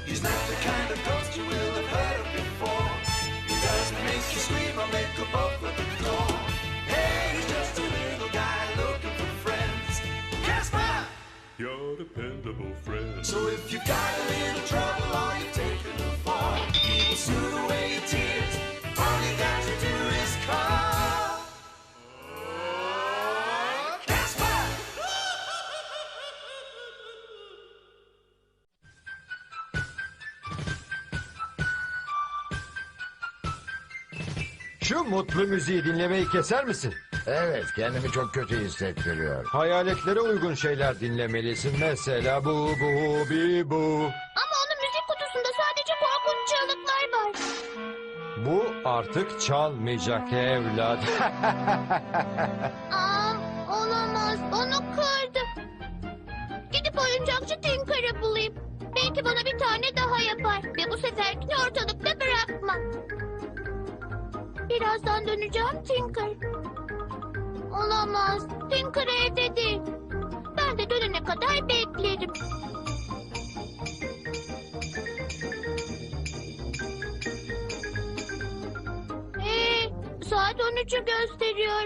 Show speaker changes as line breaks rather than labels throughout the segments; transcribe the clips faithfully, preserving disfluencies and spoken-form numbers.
He's not the kind of ghost you will have heard of before. He doesn't make you scream or make a bolt for the door. Hey, he's just a little guy looking for friends. Casper!
Your dependable friend.
So if you've got a little trouble or you've taken a fall, he will soothe away your tears. All you got to do is call. Casper!
Şu mutlu müziği dinlemeyi keser misin?
Evet, kendimi çok kötü hissettiriyor.
Hayaletlere uygun şeyler dinlemelisin. Mesela bu bu bi bu.
Ama onun müzik kutusunda sadece korkunç çığlıklar var.
Bu artık çalmayacak evlat.
Aa, olamaz. Onu kırdım. Gidip oyuncakçı Tinker'ı bulayım. Belki bana bir tane daha yapar. Ve bu seferkini ortalıkta bırakmam. Birazdan döneceğim Tinker. Olamaz. Tinker evde değil. Ben de dönene kadar beklerim. Ee, saat on üçü gösteriyor.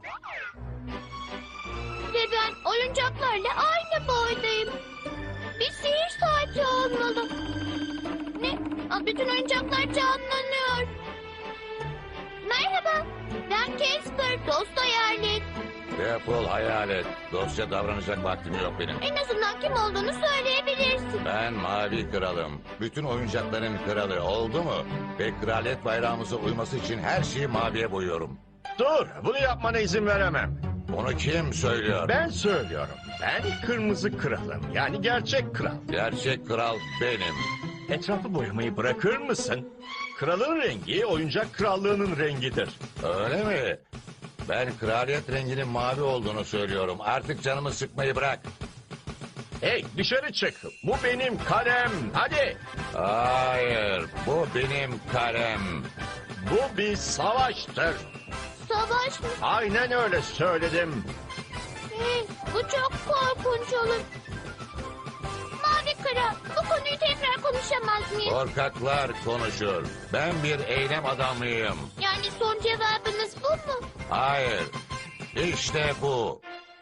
Ve ben oyuncaklarla aynı boydayım. Bir sihir saati olmalı. Ne? Aa, bütün oyuncaklar canlanıyor. Merhaba. Ben Casper, dost hayalet.
Defol hayalet. Dostça davranacak vaktim yok benim.
En azından kim olduğunu söyleyebilirsin.
Ben Mavi Kralım. Bütün oyuncakların kralı, oldu mu? Ve kraliyet bayrağımıza uyması için her şeyi maviye boyuyorum.
Dur, bunu yapmana izin veremem.
Onu kim söylüyor?
Ben söylüyorum. Ben kırmızı kralım. Yani gerçek kral.
Gerçek kral benim.
Etrafı boyamayı bırakır mısın? Kralın rengi oyuncak krallığının rengidir.
Öyle mi? Ben kraliyet renginin mavi olduğunu söylüyorum. Artık canımı sıkmayı bırak.
Hey, dışarı çık. Bu benim kalem. Hadi.
Hayır, bu benim kalem.
Bu bir savaştır.
Savaş mı?
Aynen öyle söyledim.
Hey, bu çok korkunç olur. Mavi Kral, bu konuyu tekrar konuşamaz mıyız?
Korkaklar konuşur. Ben bir eylem adamıyım.
Yani son cevabınız bu mu?
Hayır, işte bu.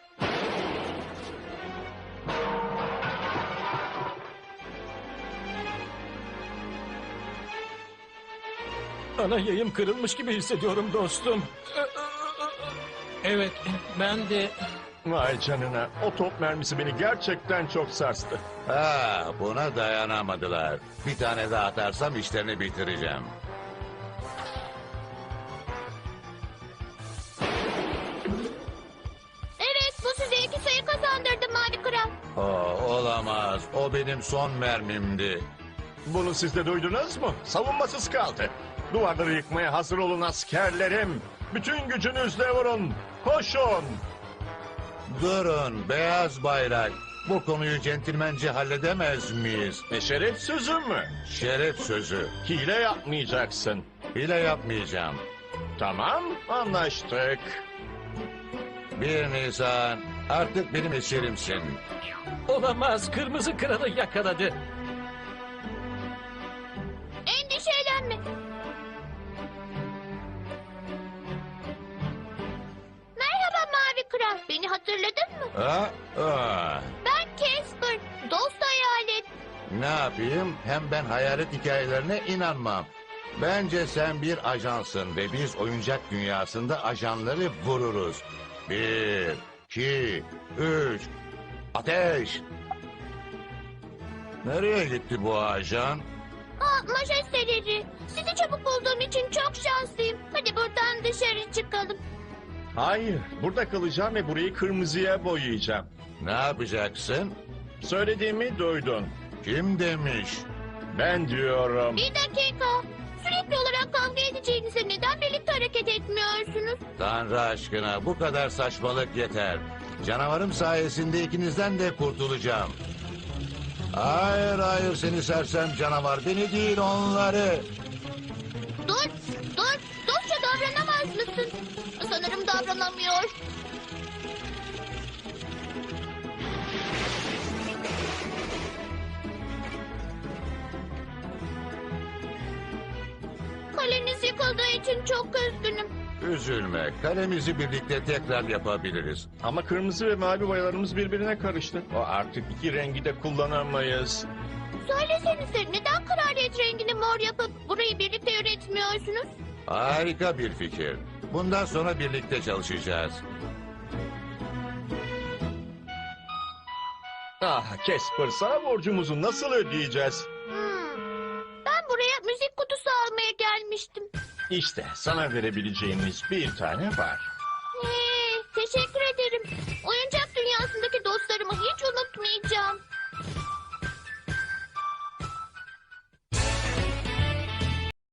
Ana yayım kırılmış gibi hissediyorum dostum. Evet, ben de...
Vay canına. O top mermisi beni gerçekten çok sarstı.
Ha, buna dayanamadılar. Bir tane daha atarsam işlerini bitireceğim.
Evet, bu size iki sayı kazandırdı Mavi Kral.
Oh, olamaz. O benim son mermimdi.
Bunu siz de duydunuz mu? Savunmasız kaldı. Duvarları yıkmaya hazır olun askerlerim. Bütün gücünüzle vurun. Koşun.
Durun, beyaz bayrak. Bu konuyu centilmence halledemez miyiz?
E şeref sözü mü?
Şeref sözü.
Hile yapmayacaksın.
Hile yapmayacağım.
Tamam, anlaştık.
Bir Nisan, artık benim eserimsin.
Olamaz, kırmızı kralı yakaladı.
Endişelenme. Merhaba Mavi Kral, beni hatırladın mı?
Ha? Ha.
Ben Casper, dost hayalet.
Ne yapayım? Hem ben hayalet hikayelerine inanmam. Bence sen bir ajansın ve biz oyuncak dünyasında ajanları vururuz. Bir, iki, üç, ateş! Nereye gitti bu ajan?
Aa, majesteleri, sizi çabuk bulduğum için çok şanslıyım. Hadi buradan dışarı çıkalım.
Hayır, burada kalacağım ve burayı kırmızıya boyayacağım.
Ne yapacaksın?
Söylediğimi duydun.
Kim demiş?
Ben diyorum.
Bir dakika. Sürekli olarak kavga edeceğinize neden birlikte hareket etmiyorsunuz?
Tanrı aşkına bu kadar saçmalık yeter. Canavarım sayesinde ikinizden de kurtulacağım. Hayır hayır seni sersem canavar, beni değil onları.
Dur, dur. Dostça davranamaz mısın? Sanırım davranamıyor. Kalemiz yıkıldığı için çok üzgünüm.
Üzülme, kalemizi birlikte tekrar yapabiliriz.
Ama kırmızı ve mavi boyalarımız birbirine karıştı. O artık iki rengi de kullanamayız.
Söylesenize neden kraliyet rengini mor yapıp burayı birlikte yönetmiyorsunuz?
Harika bir fikir. Bundan sonra birlikte çalışacağız.
Ah Casper, sana borcumuzu nasıl ödeyeceğiz?
Hmm. Ben buraya müzik kutusu almaya gelmiştim.
İşte sana verebileceğimiz bir tane var.
Hey, teşekkür ederim. Oyuncak dünyasındaki dostlarımı hiç unutmayacağım.